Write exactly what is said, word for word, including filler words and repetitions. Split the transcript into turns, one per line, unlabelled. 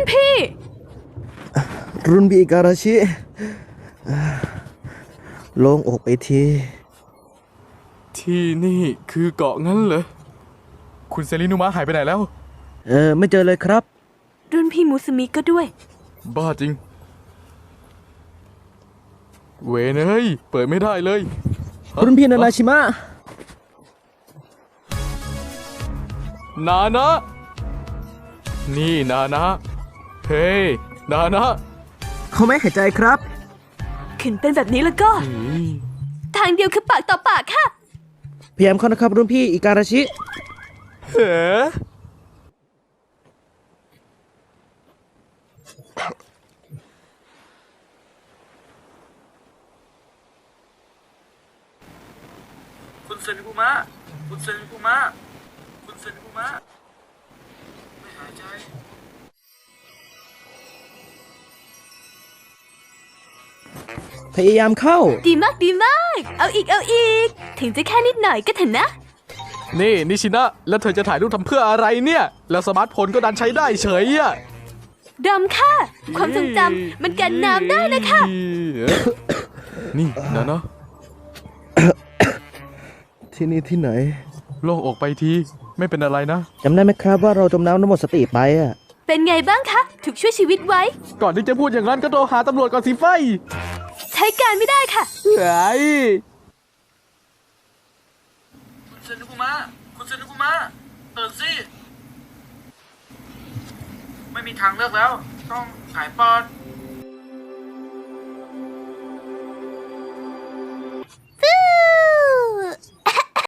นพี่
รุ่นพี่การาชิโล่งอกไปที
ที่นี่คือเกาะงั้นเหรอคุณเซรินุมะหายไปไหนแล้ว
เออไม่เจอเลยครับ
รุ่นพี่มุสมิก็ด้วย
บ้าจริงเวยเฮ้ยเปิดไม่ได้เลย
รุ่นพี่นานาชิมะ
นานะนี่นานะเฮ้ยนานะ
เขาไม่หายใจครับ
ขึ้นเป็นแบบนี้แล้วก็ทางเดียวคือปากต่อปากค่ะ
พยายามเข้านะครับรุ่นพี่อิการาชิ
เฮ้
คุณเซนิกุมะคุณเซนิกุมะคุณเซนิกุมะไม่หายใจ
พยายามเข้า
ดีมากดีมากเอาอีกเอาอีกถึงจะแค่นิดหน่อยก็เถอะนะ
นี่นิชินะแล้วเธอจะถ่ายรูปทำเพื่ออะไรเนี่ยแล้วสมาร์ทโฟนก็ดันใช้ได้เฉยอะ
ดำค่ะความทรงจำมันกันน้ำได้นะคะ
นี่นะเนาะ
ที่นี่ที่ไหน
โล่งอกไปทีไม่เป็นอะไรนะ
จำได้ไหมครับว่าเราจมน้ำแล้วหมดสติไปอะ
เป็นไงบ้างคะถูกช่วยชีวิตไว้
ก่อนที่จะพูดอย่างนั้นก็โทรหาตำรวจก่อนสิไฟ
ใช้การไม่ได้ค่ะ
ไอ้
คุณเซนิกุมะคุณเซนิกุมะตื่นสิไม่มีทางเลือกแล้วต้องหายปอด